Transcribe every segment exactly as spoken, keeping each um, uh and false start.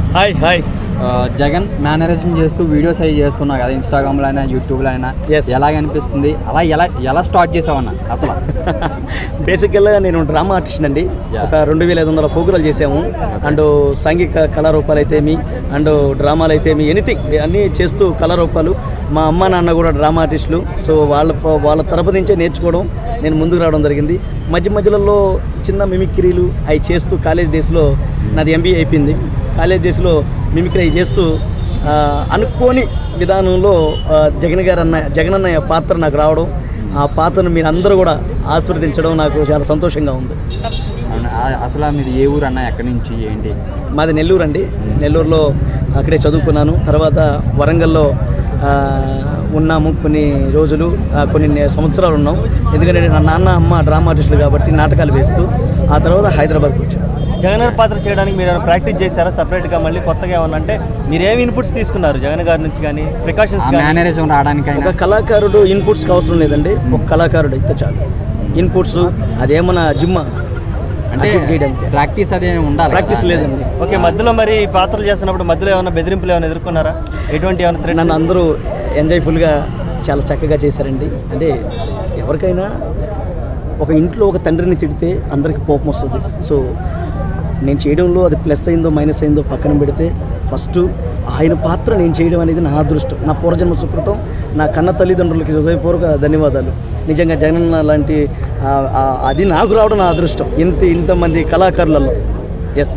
Hi hi Jagan mannerism చేస్తూ videos అవి చేస్తున్నా కదా ఇన్స్టాగ్రామ్లో అయినా యూట్యూబ్లో అయినా Yes. ఎలాగ అనిపిస్తుంది అలా ఎలా ఎలా స్టార్ట్ చేసావన్నా అసలు బేసిక్గా నేను డ్రామా ఆర్టిస్ట్ అండి. Yeah. ఒక రెండు వేల ఐదు వందల ఫోకులు చేసాము. అండ్ సాంఘిక కళారూపాలు అయితేమి అండ్ డ్రామాలు అయితేమి ఎనీథింగ్ అన్నీ చేస్తూ కళారూపాలు. మా అమ్మ నాన్న కూడా డ్రామా ఆర్టిస్టులు. సో వాళ్ళ వాళ్ళ తరపు నుంచే నేర్చుకోవడం నేను ముందుకు రావడం జరిగింది. మధ్య మధ్యలో చిన్న మిమిక్రీలు అవి చేస్తూ కాలేజ్ డేస్లో నాది ఎంబీఏ అయిపోయింది. కాలేజ్ డేస్లో మిమిక్రీ అవి చేస్తూ ఆ, అనుకోని విధానంలో ఆ, జగన్ గారు అన్న జగన్ అన్నయ్య పాత్ర నాకు రావడం, ఆ పాత్రను మీరు అందరూ కూడా ఆస్వాదించడం నాకు చాలా సంతోషంగా ఉంది. అవునా? ఆ- అసలు మీది ఏ ఊరు అన్న ఎక్కడి నుంచి ఏంటి? మాది నెల్లూరు అండి. నెల్లూరులో అక్కడే చదువుకున్నాను. తర్వాత వరంగల్లో ఆ, ఉన్నాము కొన్ని రోజులు, ఆ, కొన్ని నే- సంవత్సరాలు ఉన్నాం. ఎందుకంటే నా నాన్న అమ్మ డ్రామా ఆర్టిస్టులు కాబట్టి నాటకాలు వేస్తూ ఆ తర్వాత హైదరాబాద్కి వచ్చాను. జగన్ గారి పాత్ర చేయడానికి మీరు ఏమైనా ప్రాక్టీస్ చేశారా సపరేట్గా మళ్ళీ కొత్తగా ఏమన్నా? అంటే మీరు ఏమి ఇన్పుట్స్ తీసుకున్నారు జగన్ గారి నుంచి కానీ ప్రికాషన్స్ ఆ కానీ? మేనరిజం రావడానికైనా ఒక కళాకారుడు ఇన్పుట్స్కి అవసరం లేదండి. ఒక కళాకారుడు అయితే చాలు. ఇన్పుట్స్ అదేమన్నా జిమ్ అంటే చేయడానికి ప్రాక్టీస్ అదే ఉండాలి ప్రాక్టీస్ కదా? లేదండి. ఓకే, మధ్యలో మరి ఈ పాత్రలు చేస్తున్నప్పుడు మధ్యలో ఏమైనా బెదిరింపులు ఏమైనా ఎదుర్కొన్నారా? ఎటువంటి ఏమైనా threats? నన్ను అందరూ ఎంజాయ్ఫుల్గా చాలా చక్కగా చేశారండి. అంటే ఎవరికైనా ఒక ఇంట్లో ఒక తండ్రిని తిడితే అందరికీ కోపం వస్తుంది. సో నేను చేయడంలో అది ప్లస్ అయిందో మైనస్ అయిందో పక్కన పెడితే ఫస్ట్ ఆయన పాత్ర నేను చేయడం అనేది నా అదృష్టం, నా పూర్వజన్మ సుకృతం. నా కన్న తల్లిదండ్రులకి హృదయపూర్వక ధన్యవాదాలు. నిజంగా జగన్ లాంటి ఆ- ఆ- అది నాకు రావడం నా అదృష్టం ఇంత ఇంతమంది కళాకారులలో. ఎస్.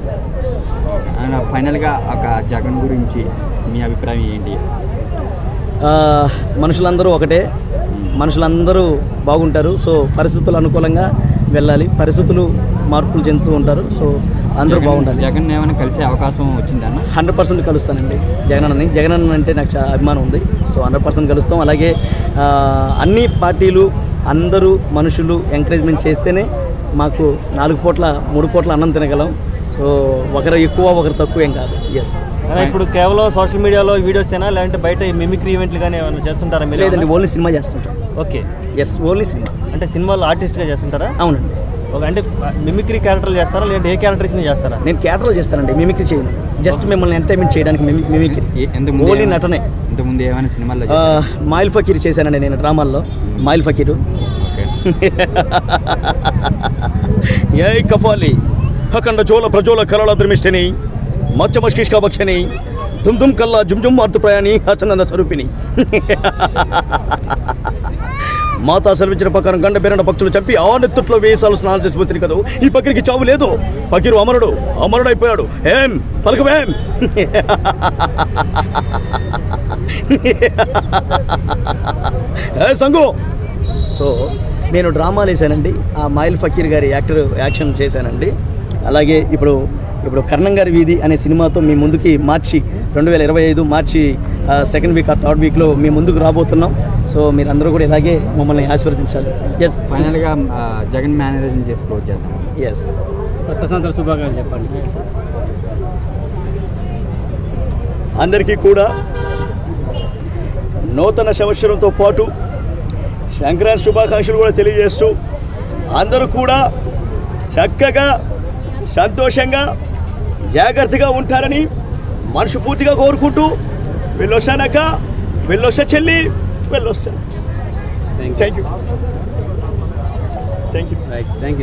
ఆయన ఫైనల్గా ఒక జగన్ గురించి మీ అభిప్రాయం ఏంటి? మనుషులందరూ ఒకటే, మనుషులందరూ బాగుంటారు. సో పరిస్థితులు అనుకూలంగా వెళ్ళాలి, పరిస్థితులు మార్పులు చెందుతూ ఉంటారు. సో అందరూ జగన్- బాగుండాలి. జగన్ ఏమైనా కలిసే అవకాశం వచ్చిందన్న? హండ్రెడ్ పర్సెంట్ కలుస్తానండి జగన్ అన్నని. జగన్ అన్న అంటే నాకు చాలా అభిమానం ఉంది. సో హండ్రెడ్ పర్సెంట్ కలుస్తాం. అలాగే ఆ, అన్ని పార్టీలు అందరూ మనుషులు ఎంకరేజ్మెంట్ చేస్తేనే మాకు నాలుగు పూట్ల మూడు పూట్ల అన్నం తినగలం. సో ఒకరు ఎక్కువ ఒకరు తక్కువ ఏం కాదు. ఎస్. అలా ఇప్పుడు కేవలం సోషల్ మీడియాలో వీడియోస్ అయినా లేదంటే బయట మిమిక్రీ ఈవెంట్లు కానీ ఏమైనా చేస్తుంటారా మీరు? లేదండి, ఓన్లీ సినిమా చేస్తుంటాం. Okay, yes, only cinema. అంటే సినిమాలో ఆర్టిస్ట్గా చేస్తుంటారా? అవునండి. ఒక అంటే మిమిక్రీ క్యారెక్టర్లు చేస్తారా లేదంటే ఏ క్యారెక్టర్ ఇచ్చిన చేస్తారా? నేను క్యారెక్టర్లు చేస్తానండి, మిమిక్రీ చేయను. జస్ట్ మిమ్మల్ని ఎంటర్టైన్మెంట్ చేయడానికి మిమి మిమిక్రీ, ఏ- ఇంతకుముందు ఓన్లీ ఏమైనా- నటనే. ఇంతకుముందు ఏమైనా సినిమాల్లో ఆ, మాయిల్ ఫకీర్ చేశానండి నేను డ్రామాల్లో. మాయిల్ ఫకీరు. ఓకే. ఏ కఫాలి అఖండ జోల ప్రజోల కలల ద్రమిష్ఠిని మచ్చ మష్కిష్క భక్షని దుమ్ దుమ్ కల్లా జుమ్ జుమ్ అర్థ ప్రయాణి హచనంద స్వరూపిణి. మాతా సెలవించిన ప్రకారం గండ బెరణ పక్షులు చంపి ఆ నెత్తుట్లో వేసాలు స్నానం చేసి పోతుంది కదా. ఈ పకిరికి చావు లేదు, పకిరు అమరుడు అమరుడు అయిపోయాడు. ఏం పలకమేం? ఏ సంగు. సో నేను డ్రామాలు వేసానండి. ఆ మాయిల్ ఫకీర్ గారి యాక్టర్ యాక్షన్ చేశానండి. అలాగే ఇప్పుడు ఇప్పుడు కర్ణం గారి వీధి అనే సినిమాతో మీ ముందుకి మార్చి రెండు వేల ఇరవై ఐదు మార్చి సెకండ్ వీక్ ఆ థర్డ్ వీక్లో మీ ముందుకు రాబోతున్నాం. సో మీరు అందరూ కూడా ఇలాగే మమ్మల్ని ఆశీర్వదించాలి. ఎస్. ఫైనల్గా ఆ, జగన్ మేనరిజం చేసి క్లోజ్ చేద్దాం. ఎస్. కొత్త సంవత్సర శుభాకాంక్షలు చెప్పండి. అందరికీ కూడా నూతన సంవత్సరంతో పాటు సంక్రాంతి శుభాకాంక్షలు కూడా తెలియజేస్తూ అందరూ కూడా చక్కగా సంతోషంగా జాగ్రత్తగా ఉంటారని మనస్ఫూర్తిగా కోరుకుంటూ వెళ్ళొస్తానక్క, వెళ్ళొస్తా చెల్లి, వెళ్ళొస్తా. Thank you. Thank you. Right, thank you.